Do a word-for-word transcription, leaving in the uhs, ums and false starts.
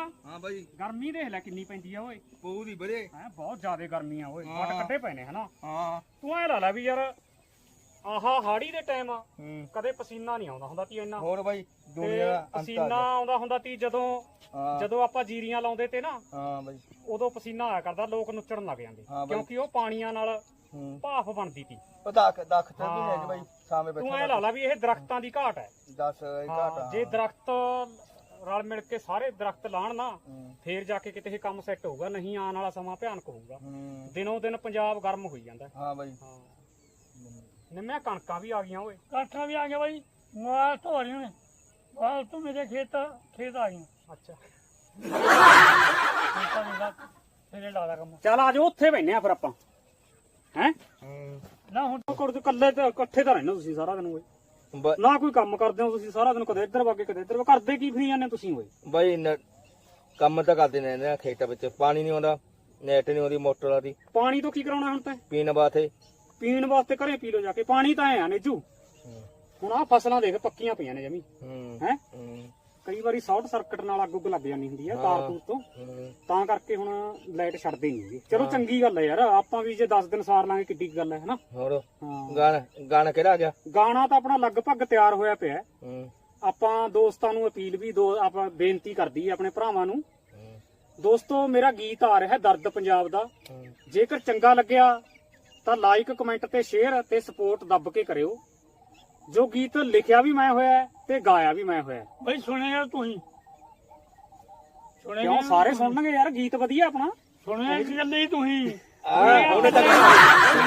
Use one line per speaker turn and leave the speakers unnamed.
ਹਾਂ ਬਾਈ
ਗਰਮੀ ਦੇਖ ਲੈ ਕਿੰਨੀ ਪੈਂਦੀ ਆ ਓਏ
ਪਊ ਦੀ ਬਰੇ
ਹੈ ਬਹੁਤ ਜ਼ਿਆਦਾ ਗਰਮੀ ਆ ਓਏ ਵੱਟ ਕੱਢੇ ਪਏ ਨੇ ਹਨਾ
ਹਾਂ
ਤੂੰ ਐ ਲਾ ਲੈ ਵੀ ਯਾਰ ਆਹਾ ਹਾੜੀ ਦੇ ਟਾਈਮ
ਹੂੰ
ਕਦੇ ਪਸੀਨਾ ਨਹੀਂ ਆਉਂਦਾ ਹੁੰਦਾ ਤੀ ਇੰਨਾ
ਹੋਰ ਬਾਈ ਦੁਨੀਆ
ਤੇ
ਦਾ ਅੰਤ ਆ
ਪਸੀਨਾ
ਗਿਆ।
ਆਉਂਦਾ ਹੁੰਦਾ ਤੀ ਜਦੋਂ
ਹਾਂ
ਜਦੋਂ ਆਪਾਂ ਜੀਰੀਆਂ ਲਾਉਂਦੇ ਤੇ ਨਾ
ਹਾਂ ਬਾਈ
ਉਦੋਂ ਪਸੀਨਾ ਆਇਆ ਕਰਦਾ ਲੋਕ ਨੁੱਚਣ ਲੱਗ ਜਾਂਦੇ
ਹਾਂ ਬਾਈ।
ਕਿਉਂਕਿ ਉਹ ਪਾਣੀਆਂ ਨਾਲ
ਹੂੰ
ਭਾਫ ਬਣਦੀ ਤੀ
ਉਹ ਦਖ ਦਖ ਤੇ ਵੀ
ਹਾਂ।
ਲੈ ਕੇ ਬਾਈ ਸਾਹਮਣੇ
ਤੂੰ ਐ
ਬੈਠਾ
ਲਾ ਲਾ ਵੀ ਇਹ ਦਰਖਤਾਂ ਦੀ ਘਾਟ ਹੈ
ਦਸ ਇਹ ਘਾਟ
ਹਾਂ, ਜੇ ਦਰਖਤ ਰਲ ਮਿਲ ਕੇ ਸਾਰੇ ਦਰਖਤ ਲਾਣ ਨਾ
ਹੂੰ
ਫੇਰ ਜਾ ਕੇ ਕਿਤੇ ਇਹ ਕੰਮ ਸੈੱਟ ਹੋਊਗਾ ਨਹੀਂ ਆਉਣ ਵਾਲਾ ਸਮਾਂ ਭਿਆਨਕ ਹੋਊਗਾ
ਹੂੰ
ਦਿਨੋਂ ਦਿਨ ਪੰਜਾਬ ਗਰਮ ਹੋਈ ਜਾਂਦਾ
ਹਾਂ ਬਾਈ
ਹਾਂ ਨਿੰਮਿਆ ਕਣਕਾਂ ਵੀ ਆ ਗਈਆਂ ਓਏ
ਕਾਠਾਂ ਵੀ ਆ ਗਏ ਬਾਈ ਮਾਲ ਧੋ ਰਹੀਆਂ ਨੇ ਮਾਲ ਤੋਂ ਮੇਰੇ ਖੇਤ ਖੇਤ ਆ ਗਈਆਂ
ਅੱਛਾ
ਖੇਤਾਂ ਦੇ ਨਾਲ ਤੇਰੇ ਲਾ ਦਾ ਕੰਮ
ਚੱਲ ਆ ਜਾਓ ਉੱਥੇ ਬੈਠਨੇ ਆ ਫਿਰ ਆਪਾਂ ਹੈ
ਹੂੰ
ਨਾ ਹੁਣ
ਕੋੜ ਤੇ ਇਕੱਲੇ ਤੇ ਇਕੱਠੇ ਤਾਂ ਰਹਿੰਦੇ ਹੋ ਤੁਸੀਂ ਸਾਰਾ ਦਿਨ ਓਏ
ਬ-
ਨਾ ਕੋਈ ਕੰਮ ਕਰਦੇ ਹੋ ਤੁਸੀਂ ਸਾਰਾ ਦਿਨ ਕਦੇ ਇੱਧਰ ਵਾਗੇ ਕਦੇ ਇੱਧਰ ਕਰਦੇ ਕੀ ਫਰੀ ਜਾਂਦੇ ਤੁਸੀਂ ਓਏ
ਬਾਈ ਨ- ਕੰਮ ਤਾਂ ਕਰਦੇ ਨੇ ਨਾ ਖੇਤਾਂ ਵਿੱਚ ਪਾਣੀ ਨਹੀਂ ਆਉਂਦਾ ਨੈਟ ਨਹੀਂ ਆਉਂਦੀ ਮੋਟਰਾਂ ਦੀ
ਪਾਣੀ ਤੋਂ ਕੀ ਕਰਾਉਣਾ ਹੁਣ ਤੈਂ
ਪੀਣ ਵਾਸਤੇ
ਪੀਣ ਵਾਸਤੇ ਘਰੇ ਪੀ ਲਓ ਜਾ ਕੇ ਪਾਣੀ ਤਾਂ ਐ ਆ ਨੇਜੂ ਹੁਣ ਆ ਫਸਲਾਂ ਦੇਖ ਪੱਕੀਆਂ ਪਈਆਂ ਨੇ ਜਮੀ
ਹੂੰ
ਹੈ
ਹੂੰ
ਕਈ ਵਾਰੀ ਸ਼ਾਰਟ ਸਰਕਟ ਨਾਲ ਅੱਗ ਉੱਗ ਲੱਗ ਜਾਂਦੀ ਹੁੰਦੀ ਆ ਕਾਰਤੂਸ ਤੋਂ
ਹੂੰ
ਤਾਂ ਕਰਕੇ ਹੁਣ ਲਾਈਟ ਛੱਡਦੇ ਨਹੀਂ ਚਲੋ ਚੰਗੀ ਗੱਲ ਹੈ ਯਾਰ ਆਪਾਂ ਵੀ ਜੇ ਦਸ ਦਿਨ ਸਾਰ ਲਾਂਗੇ ਕਿੱਡੀ ਕੁ ਗੱਲ ਹੈ ਹਨਾ
ਹੋਰ
ਹਾਂ
ਗਾਣਾ ਗਾਣਾ ਕਿਹੜਾ ਆ ਗਿਆ
ਗਾਣਾ ਤਾਂ ਆਪਣਾ ਲਗਭਗ ਤਿਆਰ ਹੋਇਆ ਪਿਆ ਹੈ।
ਹੂੰ
ਆਪਾਂ ਦੋਸਤਾਂ ਨੂੰ ਅਪੀਲ ਵੀ ਦੋ ਆਪਾਂ ਬੇਨਤੀ ਕਰਦੀ ਆਪਣੇ ਭਰਾਵਾਂ ਨੂੰ
ਹੂੰ,
ਦੋਸਤੋ ਮੇਰਾ ਗੀਤ ਆ ਰਿਹਾ ਦਰਦ ਪੰਜਾਬ ਦਾ
ਹੂੰ
ਜੇਕਰ ਚੰਗਾ ਲੱਗਿਆ ਤਾਂ ਲਾਈਕ ਕਮੈਂਟ ਤੇ ਸ਼ੇਅਰ ਤੇ ਸਪੋਰਟ ਦੱਬ ਕੇ ਕਰਿਓ ਜੋ ਗੀਤ ਲਿਖਿਆ ਵੀ ਮੈਂ ਹੋਇਆ ਹੈ ਤੇ ਗਾਇਆ ਵੀ ਮੈਂ ਹੋਇਆ ਹੈ।
ਬਾਈ ਸੁਣੇਗਾ ਤੂੰ ਹੀ ਸੁਣੇਗਾ
ਕਿਉਂ ਸਾਰੇ ਸੁਣਨਗੇ ਯਾਰ ਗੀਤ ਵਧੀਆ ਆਪਣਾ
ਸੁਣੇਗਾ ਇੱਕ ਗੱਲ ਹੀ ਤੂੰ ਹੀ
ਆ ਉਹਨੇ ਤਾਂ